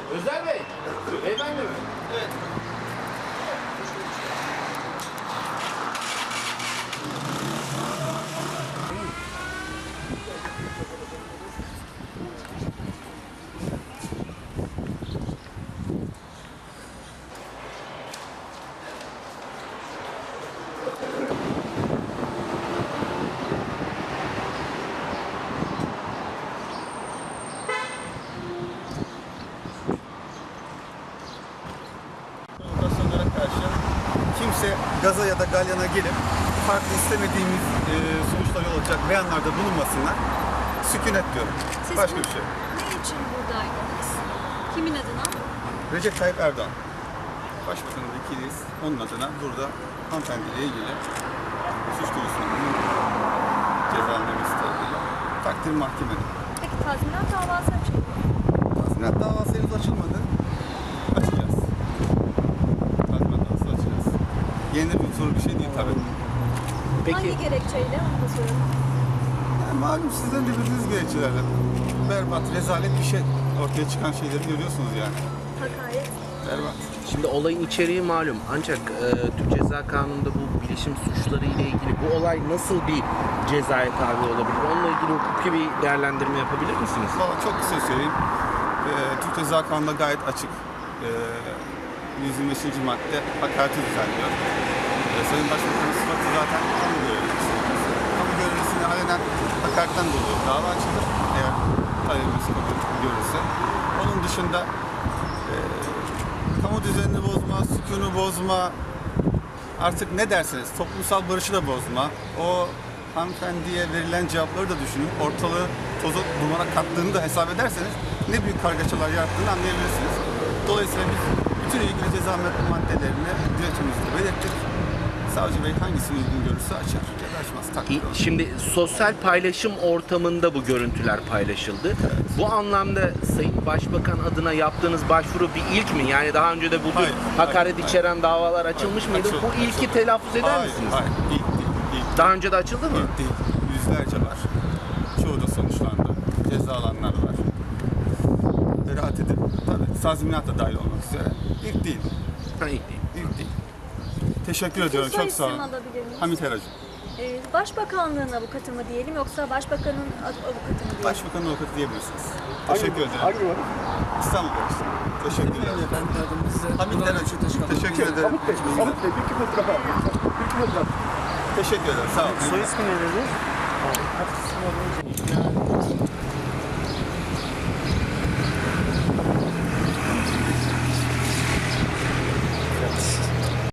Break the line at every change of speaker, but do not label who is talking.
Özer Bey, beyefendi mi? Evet.
Kimse gaza ya da galyana gelip farklı istemediğimiz sonuçlar yol olacak beyanlarda bulunmasınlar. Sükunet diyorum.
Siz
Başka bir şey.
Ne için buradaydınız? Kimin adına?
Recep Tayyip Erdoğan. Başbakanın vekiliyiz. Onun adına burada hanımefendiyle ilgili suç duyusunun cezalandırması tarafıyla takdir mahkemede.
Peki tazminat davası açıldı.
Tazminat davası henüz açılmadı. Açacağız. Tazminat davası açacağız. Yeni bir soru bir şey değil tabii.
Hangi gerekçeyle onu da soralım.
Yani malum sizden de bildiğiniz gerekçelerle berbat, rezalet bir şey ortaya çıkan şeyleri görüyorsunuz yani.
Hakaret.
Berbat.
Şimdi olayın içeriği malum ancak Türk Ceza Kanunu'nda bu bilişim suçları ile ilgili bu olay nasıl bir cezaya tabi olabilir? Onunla ilgili hukuki bir değerlendirme yapabilir misiniz?
Valla çok kısa söyleyeyim. Türk Ceza Kanunu'nda gayet açık. 125. madde hakareti düzenliyor. Sayın Başbakan'ın sıfatı zaten kamu görevlisi. Kamu görevlisine alenen hakaretten dolayı dava açılır. Eğer talebimiz kabul görürse. Onun dışında kamu düzenini bozma, sükûnu bozma, artık ne derseniz toplumsal barışı da bozma. O hanımefendiye verilen cevapları da düşünün. Ortalığı toza dumana kattığını da hesap ederseniz ne büyük kargaşalar yarattığını anlayabilirsiniz. Dolayısıyla biz bütün ilgili ceza maddelerini dilekçemizde belirttik. Savcı Bey hangisini uygun görürse açar ya da açmaz. Takdir olur.
Şimdi sosyal paylaşım ortamında bu görüntüler paylaşıldı. Bu anlamda Sayın Başbakan adına yaptığınız başvuru bir ilk mi? Yani daha önce de bu tür hakaret içeren davalar açılmış mıydı?
Açıldı,
Bu ilki
açıldı.
telaffuz eder misiniz?
Hayır, ilk değil. İlk
Daha önce de açıldı mı?
değil. Yüzlerce var. Çoğu da sonuçlandı. Ceza alanlar var. Beraat edip, tabii tazminat da dahil olmak üzere. İlk değil.
Ha, ilk değil.
İlk değil. Teşekkür ediyorum.
Soy
Çok sağ olun.
isim alabilir miyiz?
Hamit Eracı.
Başbakanlığın avukatı mı diyelim yoksa başbakanın avukatı mı diyelim?
Başbakanın avukatı diyebilirsiniz. Teşekkür ederim.
Hangi var?
İstanbul Barış'ta. Teşekkürler. Hamit Eracı. Teşekkür ederim.
Hamit Bey, Hamit Bey bir iki fotoğraf alın. Bir iki fotoğraf.
Teşekkür ederim. Sağ olun.
Soy ismi ne dedi?